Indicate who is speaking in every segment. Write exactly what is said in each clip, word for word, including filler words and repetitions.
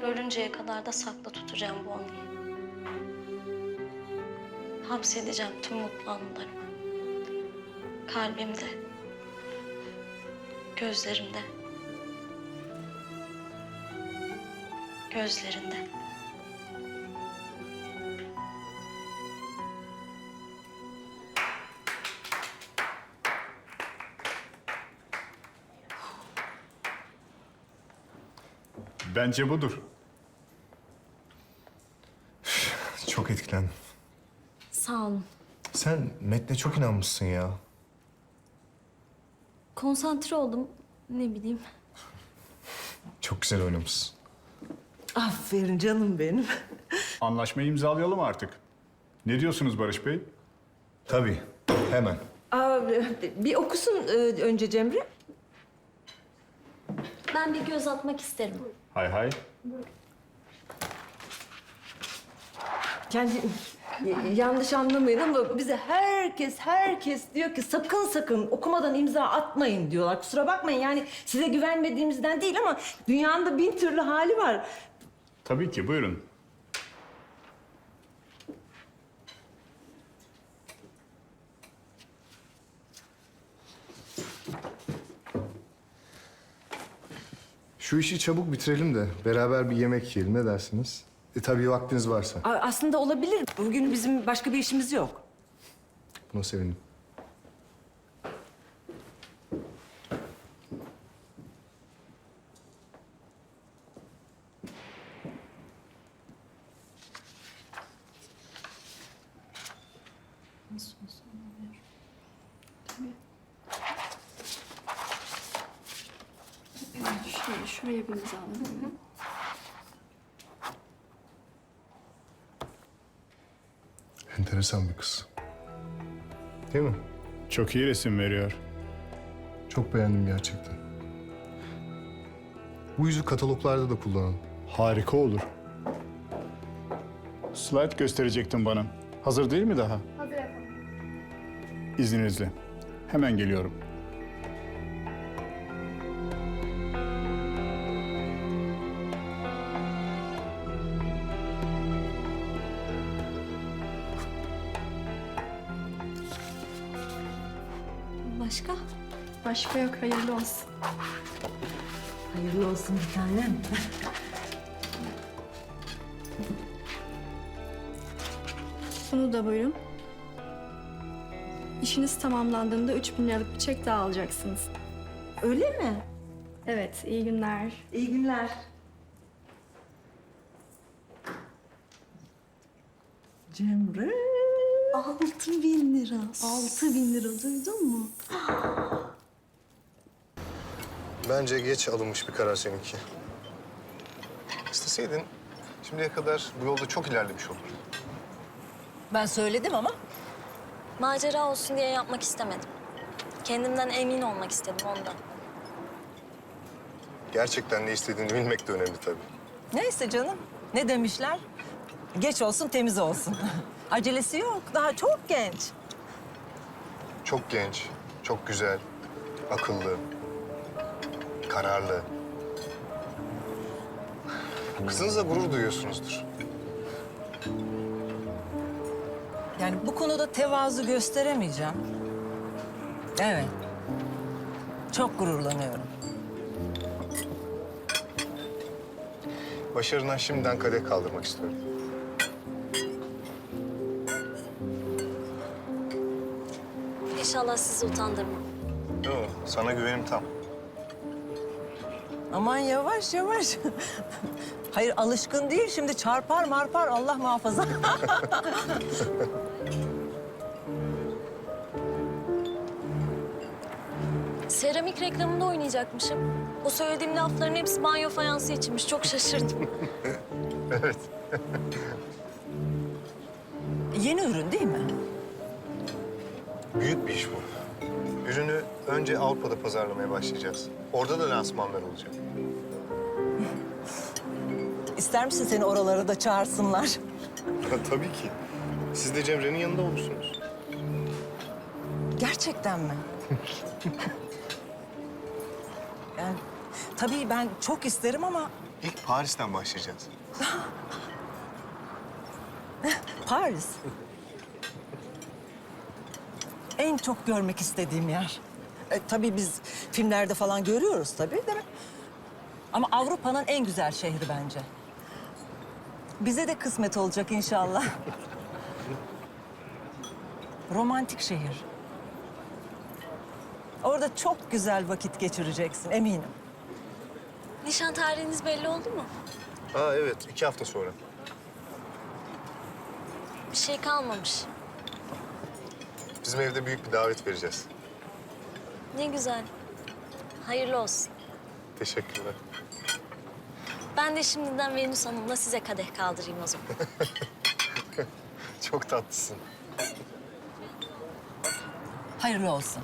Speaker 1: ölünceye kadar da saklı tutacağım bu anıyı. Hapsedeceğim tüm mutlu anılarımı. Kalbimde, gözlerimde, gözlerinde.
Speaker 2: Bence budur.
Speaker 3: Çok etkilendim.
Speaker 1: Sağ olun.
Speaker 3: Sen metne çok inanmışsın ya.
Speaker 1: Konsantre oldum, ne bileyim.
Speaker 3: Çok güzel oynamışsın.
Speaker 4: Aferin canım benim.
Speaker 2: Anlaşmayı imzalayalım artık. Ne diyorsunuz Barış Bey?
Speaker 3: Tabii, hemen.
Speaker 4: Aa, bir okusun e, önce Cemre.
Speaker 1: Ben bir göz atmak isterim.
Speaker 2: Hay hay.
Speaker 4: Kendi y- yanlış anlamayın ama bize herkes herkes diyor ki sakın sakın okumadan imza atmayın diyorlar. Kusura bakmayın yani size güvenmediğimizden değil ama dünyanın da bin türlü hali var.
Speaker 2: Tabii ki, buyurun.
Speaker 3: Şu işi çabuk bitirelim de beraber bir yemek yiyelim. Ne dersiniz? E tabii vaktiniz varsa.
Speaker 4: A- aslında olabilir. Bugün bizim başka bir işimiz yok.
Speaker 3: Buna sevindim.
Speaker 5: Şuraya, şuraya bir imza alalım.
Speaker 3: Enteresan bir kız. Değil mi?
Speaker 2: Çok iyi resim veriyor.
Speaker 3: Çok beğendim gerçekten. Bu yüzü kataloglarda da kullanalım.
Speaker 2: Harika olur. Slide gösterecektin bana. Hazır değil mi daha?
Speaker 5: Hazır efendim.
Speaker 2: İzninizle. Hemen geliyorum.
Speaker 1: Başka?
Speaker 5: Başka yok, hayırlı olsun.
Speaker 4: Hayırlı olsun bir tanem.
Speaker 5: Bunu da buyurun. İşiniz tamamlandığında üç bin liralık bir çek daha alacaksınız.
Speaker 4: Öyle mi?
Speaker 5: Evet, iyi günler.
Speaker 4: İyi günler. Cemre.
Speaker 1: Altı bin lira. Altı bin lira duydun mu?
Speaker 3: Bence geç alınmış bir karar seninki. İsteseydin şimdiye kadar bu yolda çok ilerlemiş olurdun.
Speaker 6: Ben söyledim ama
Speaker 1: Macera olsun diye yapmak istemedim. Kendimden emin olmak istedim ondan.
Speaker 3: Gerçekten ne istediğini bilmek de önemli tabii.
Speaker 6: neyse canım. Ne demişler? Geç olsun temiz olsun. Acelesi yok. Daha çok genç.
Speaker 3: Çok genç, çok güzel, akıllı, kararlı. Kızınızla gurur duyuyorsunuzdur.
Speaker 6: Yani bu konuda tevazu gösteremeyeceğim. Evet. Çok gururlanıyorum.
Speaker 3: Başarına şimdiden kadeh kaldırmak istiyorum.
Speaker 1: İnşallah sizi utandırmam.
Speaker 3: Yok, sana güvenim tam.
Speaker 6: Aman yavaş yavaş. Hayır alışkın değil şimdi çarpar marpar Allah muhafaza.
Speaker 1: Seramik reklamında oynayacakmışım. O söylediğim lafların hepsi banyo fayansı içinmiş. Çok şaşırdım.
Speaker 3: Evet.
Speaker 6: Yeni ürün değil mi?
Speaker 3: Büyük bir iş bu. Ürünü önce Avrupa'da pazarlamaya başlayacağız. Orada da lansmanlar olacak.
Speaker 6: İster misin seni oralara da çağırsınlar?
Speaker 3: Tabii ki. Siz de Cemre'nin yanında olursunuz.
Speaker 6: Gerçekten mi? Yani tabii ben çok isterim ama
Speaker 3: İlk Paris'ten başlayacağız.
Speaker 6: Paris. En çok görmek istediğim yer. E, tabii biz filmlerde falan görüyoruz tabii, değil mi? Ama Avrupa'nın en güzel şehri bence. Bize de kısmet olacak inşallah. Romantik şehir. Orada çok güzel vakit geçireceksin eminim.
Speaker 1: Nişan tarihiniz belli oldu mu?
Speaker 3: Aa evet, iki hafta sonra.
Speaker 1: Bir şey kalmamış.
Speaker 3: Bizim evde büyük bir davet vereceğiz.
Speaker 1: Ne güzel. Hayırlı olsun.
Speaker 3: Teşekkürler.
Speaker 1: Ben de şimdiden Venüs Hanım'la size kadeh kaldırayım o zaman.
Speaker 3: Çok tatlısın.
Speaker 6: Hayırlı olsun.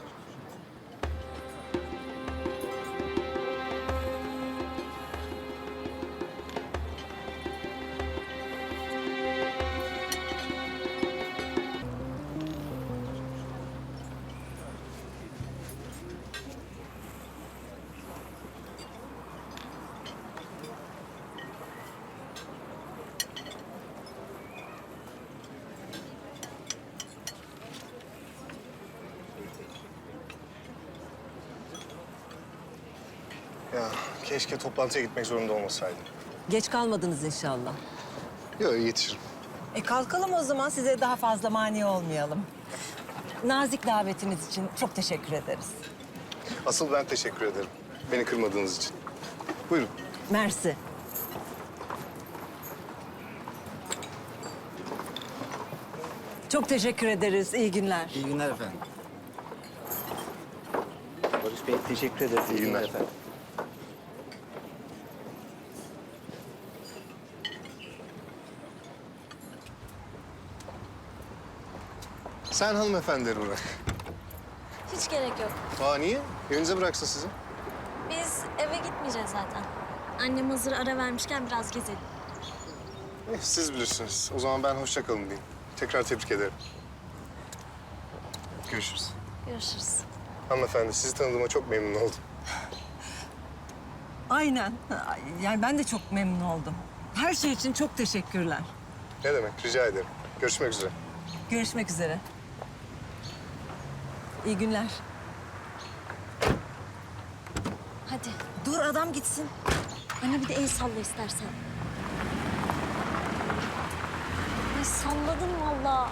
Speaker 3: Ya keşke toplantıya gitmek zorunda olmasaydım.
Speaker 6: Geç kalmadınız inşallah.
Speaker 3: Yok yetişirim.
Speaker 6: E kalkalım o zaman, size daha fazla mani olmayalım. Nazik davetiniz için çok teşekkür ederiz.
Speaker 3: Asıl ben teşekkür ederim. Beni kırmadığınız için. Buyurun.
Speaker 6: Mersi. Çok teşekkür ederiz. İyi günler.
Speaker 7: İyi günler efendim. Barış Bey teşekkür ederiz.
Speaker 3: İyi günler.
Speaker 7: efendim.
Speaker 3: Sen hanımefendileri bırak.
Speaker 1: Hiç gerek yok.
Speaker 3: Aa niye? Evinize bıraksın sizi.
Speaker 1: Biz eve gitmeyeceğiz zaten. Annem hazır ara vermişken biraz gezelim.
Speaker 3: Eh, siz bilirsiniz. O zaman ben hoşça kalın diyeyim. Tekrar tebrik ederim. Görüşürüz.
Speaker 1: Görüşürüz.
Speaker 3: Hanımefendi sizi tanıdığıma çok memnun oldum.
Speaker 6: Aynen. Yani ben de çok memnun oldum. Her şey için çok teşekkürler.
Speaker 3: Ne demek? Rica ederim. Görüşmek üzere.
Speaker 6: Görüşmek üzere. İyi günler.
Speaker 1: Hadi.
Speaker 6: Dur adam gitsin.
Speaker 1: Anne bir de el salla istersen. Ay salladın vallahi.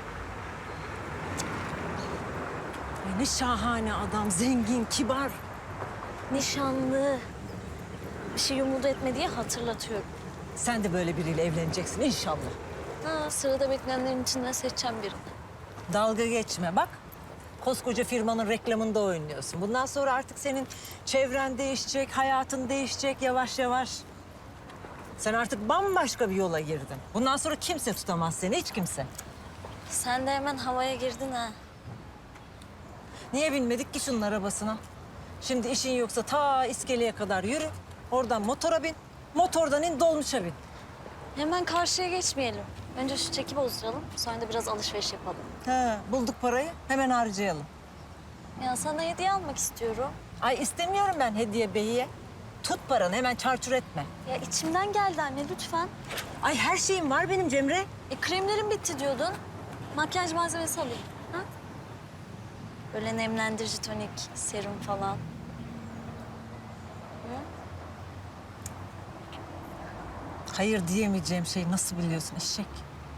Speaker 6: Ay, ne şahane adam. Zengin, kibar.
Speaker 1: Nişanlı. Bir şey umudu etme diye hatırlatıyorum.
Speaker 6: Sen de böyle biriyle evleneceksin inşallah.
Speaker 1: Ha, sırada bekleyenlerin içinden seçeceğim birini.
Speaker 6: Dalga geçme bak. Koskoca firmanın reklamında oynuyorsun. Bundan sonra artık senin çevren değişecek, hayatın değişecek yavaş yavaş. Sen artık bambaşka bir yola girdin. Bundan sonra kimse tutamaz seni, hiç kimse.
Speaker 1: Sen de hemen havaya girdin ha.
Speaker 6: Niye binmedik ki şunun arabasına? Şimdi işin yoksa ta iskeleye kadar yürü. Oradan motora bin, motordan in dolmuşa bin.
Speaker 1: Hemen karşıya geçmeyelim. Önce şu çeki bozduralım. Sonra da biraz alışveriş yapalım.
Speaker 6: He, bulduk parayı, hemen harcayalım.
Speaker 1: Ya sana hediye almak istiyorum.
Speaker 6: Ay istemiyorum ben hediye beyiye. Tut paranı, hemen çarçur etme.
Speaker 1: Ya içimden geldi anne lütfen.
Speaker 6: Ay her şeyim var benim Cemre.
Speaker 1: E kremlerim bitti diyordun. Makyaj malzemesi alayım. Ha? Böyle nemlendirici tonik, serum falan.
Speaker 6: Hayır diyemeyeceğim şey nasıl biliyorsun eşek?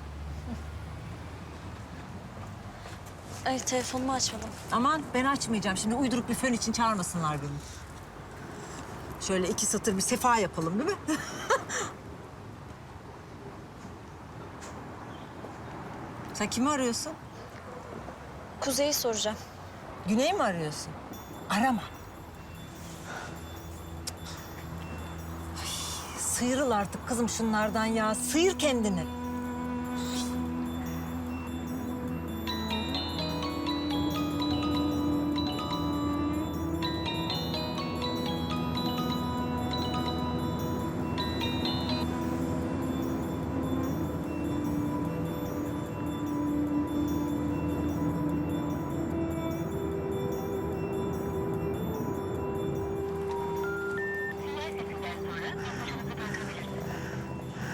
Speaker 1: Ay telefonumu açmadım.
Speaker 6: Aman ben açmayacağım. Şimdi uyduruk bir fön için çağırmasınlar beni. Şöyle iki satır bir sefa yapalım değil mi? Sen kimi arıyorsun?
Speaker 1: Kuzey'i soracağım.
Speaker 6: Güney'i mi arıyorsun? Arama. Ay, sıyrıl artık kızım şunlardan ya. Sıyır kendini.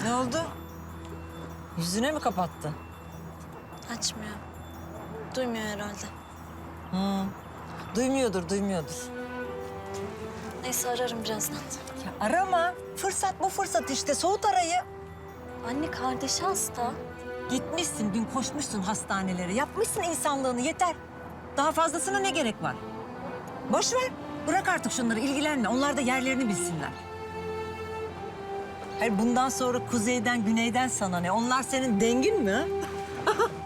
Speaker 6: Ne oldu? Yüzüne mi kapattı?
Speaker 1: Açmıyor. Duymuyor herhalde.
Speaker 6: Duymuyordur, duymuyordur.
Speaker 1: Neyse ararım birazdan.
Speaker 6: Ya arama. Fırsat bu fırsat işte. Soğut arayı.
Speaker 1: Anne kardeşi hasta.
Speaker 6: Gitmişsin, dün koşmuşsun hastanelere. Yapmışsın insanlığını, yeter. Daha fazlasına ne gerek var? Boş ver. Bırak artık şunları, ilgilenme. Onlar da yerlerini bilsinler. Hayır, bundan sonra kuzeyden, güneyden sana ne? Onlar senin dengin mi? Ha?